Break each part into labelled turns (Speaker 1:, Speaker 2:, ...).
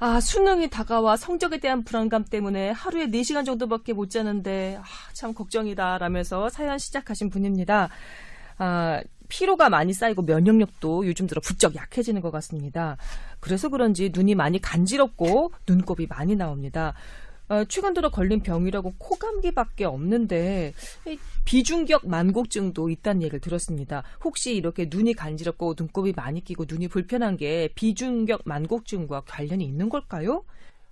Speaker 1: 수능이 다가와 성적에 대한 불안감 때문에 하루에 4시간 정도밖에 못 자는데 참 걱정이다 라면서 사연 시작하신 분입니다. 피로가 많이 쌓이고 면역력도 요즘 들어 부쩍 약해지는 것 같습니다. 그래서 그런지 눈이 많이 간지럽고 눈곱이 많이 나옵니다. 최근 들어 걸린 병이라고 코감기밖에 없는데 비중격 만곡증도 있다는 얘기를 들었습니다. 혹시 이렇게 눈이 간지럽고 눈곱이 많이 끼고 눈이 불편한 게 비중격 만곡증과 관련이 있는 걸까요?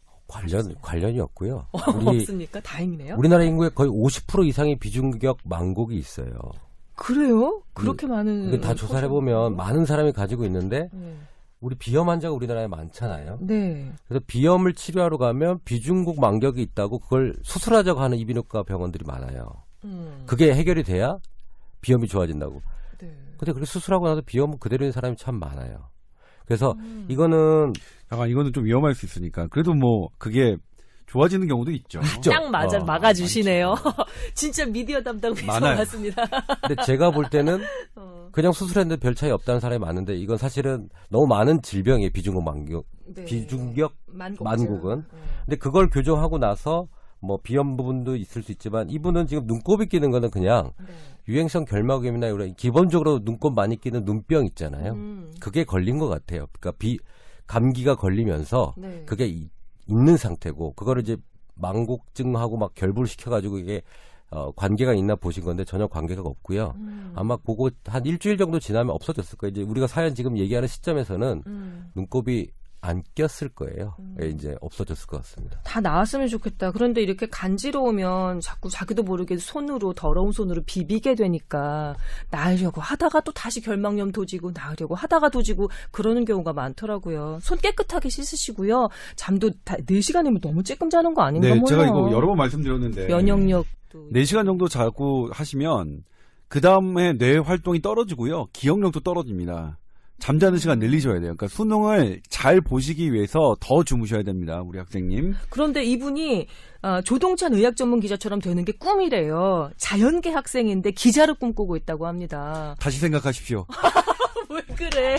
Speaker 2: 관련이 없고요.
Speaker 1: 없습니까? 다행이네요.
Speaker 2: 우리나라 인구의 거의 50% 이상의 비중격 만곡이 있어요.
Speaker 1: 그래요? 그렇게 많은.
Speaker 2: 다 조사를 해보면 많은 사람이 가지고 있는데 우리 비염 환자가 우리나라에 많잖아요.
Speaker 1: 네.
Speaker 2: 그래서 비염을 치료하러 가면 비중곡 만격이 있다고 그걸 수술하자고 하는 이비인후과 병원들이 많아요. 그게 해결이 돼야 비염이 좋아진다고.
Speaker 1: 네.
Speaker 2: 근데 그렇게 수술하고 나서 비염은 그대로인 사람이 참 많아요. 그래서 이거는
Speaker 3: 좀 위험할 수 있으니까 그래도 뭐 그게 좋아지는 경우도 있죠.
Speaker 1: 딱 막아주시네요. 진짜 미디어 담당에서 맞습니다.
Speaker 2: 근데 제가 볼 때는 그냥 수술했는데 별 차이 없다는 사람이 많은데 이건 사실은 너무 많은 질병이에요. 비중격 만곡,
Speaker 1: 네.
Speaker 2: 비중격 만곡은. 근데 그걸 교정하고 나서 뭐 비염 부분도 있을 수 있지만 이분은 지금 눈곱이 끼는 거는 그냥 유행성 결막염이나 이런 기본적으로 눈곱 많이 끼는 눈병 있잖아요. 그게 걸린 것 같아요. 그러니까 감기가 걸리면서 그게 있는 상태고 그거를 이제 만곡증하고 막 결부를 시켜가지고 이게 관계가 있나 보신 건데 전혀 관계가 없고요. 아마 그거 한 일주일 정도 지나면 없어졌을 거예요. 이제 우리가 사연 지금 얘기하는 시점에서는 눈곱이 안 꼈을 거예요. 이제 없어졌을 것 같습니다.
Speaker 1: 다 나았으면 좋겠다. 그런데 이렇게 간지러우면 자꾸 자기도 모르게 더러운 손으로 비비게 되니까 나으려고 하다가 또 다시 결막염 도지고 나으려고 하다가 도지고 그러는 경우가 많더라고요. 손 깨끗하게 씻으시고요. 잠도 4시간이면 너무 쬐끔 자는 거 아닌가 몰라요.
Speaker 3: 제가 이거 여러 번 말씀드렸는데
Speaker 1: 면역력도
Speaker 3: 4시간 정도 자고 하시면 그 다음에 뇌 활동이 떨어지고요. 기억력도 떨어집니다. 잠자는 시간 늘리셔야 돼요. 그러니까 수능을 잘 보시기 위해서 더 주무셔야 됩니다. 우리 학생님.
Speaker 1: 그런데 이분이 조동찬 의학 전문 기자처럼 되는 게 꿈이래요. 자연계 학생인데 기자를 꿈꾸고 있다고 합니다.
Speaker 3: 다시 생각하십시오.
Speaker 1: 왜 그래?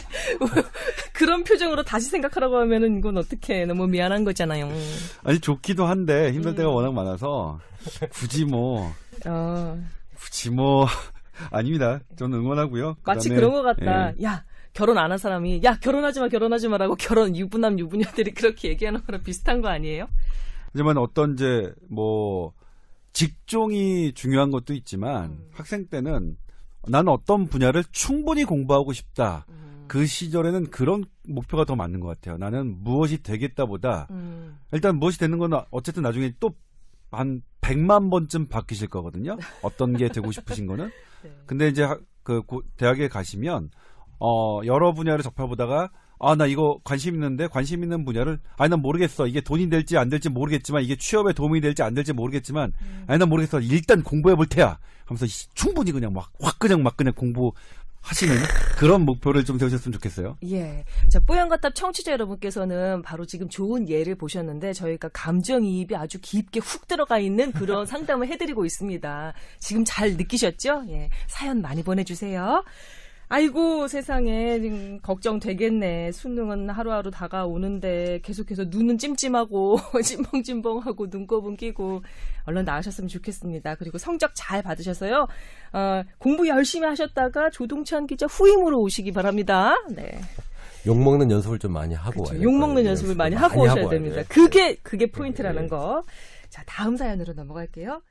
Speaker 1: 그런 표정으로 다시 생각하라고 하면은 이건 어떡해. 너무 미안한 거잖아요.
Speaker 3: 아니 좋기도 한데 힘들 때가 워낙 많아서 굳이 뭐 아닙니다. 저는 응원하고요.
Speaker 1: 마치 그런 것 같다. 야. 결혼 안 한 사람이 결혼하지 마라고 유부남 유부녀들이 그렇게 얘기하는 거랑 비슷한 거 아니에요?
Speaker 3: 하지만 어떤 직종이 중요한 것도 있지만 학생 때는 나는 어떤 분야를 충분히 공부하고 싶다. 그 시절에는 그런 목표가 더 맞는 것 같아요. 나는 무엇이 되겠다보다 일단 무엇이 되는 건 어쨌든 나중에 또 한 100만 번쯤 바뀌실 거거든요. 어떤 게 되고 싶으신 거는. 근데 이제 대학에 가시면 여러 분야를 접해보다가 나 이거 관심 있는 분야를 난 모르겠어. 이게 돈이 될지 안 될지 모르겠지만 이게 취업에 도움이 될지 안 될지 모르겠지만 난 모르겠어. 일단 공부해 볼 테야 하면서 충분히 그냥 막 공부하시는 그런 목표를 좀 세우셨으면 좋겠어요.
Speaker 1: 예. 자, 뽀얀거탑 청취자 여러분께서는 바로 지금 좋은 예를 보셨는데 저희가 감정이입이 아주 깊게 훅 들어가 있는 그런 상담을 해드리고 있습니다. 지금 잘 느끼셨죠? 예. 사연 많이 보내주세요. 아이고 세상에 걱정되겠네. 수능은 하루하루 다가오는데 계속해서 눈은 찜찜하고 찜벙찜벙하고 눈곱은 끼고 얼른 나으셨으면 좋겠습니다. 그리고 성적 잘 받으셔서요. 공부 열심히 하셨다가 조동찬 기자 후임으로 오시기 바랍니다. 네.
Speaker 2: 욕먹는 연습을 좀 많이 하고 와요.
Speaker 1: 욕먹는 연습을 많이 하고 오셔야 됩니다. 그게 포인트라는 거. 자, 다음 사연으로 넘어갈게요.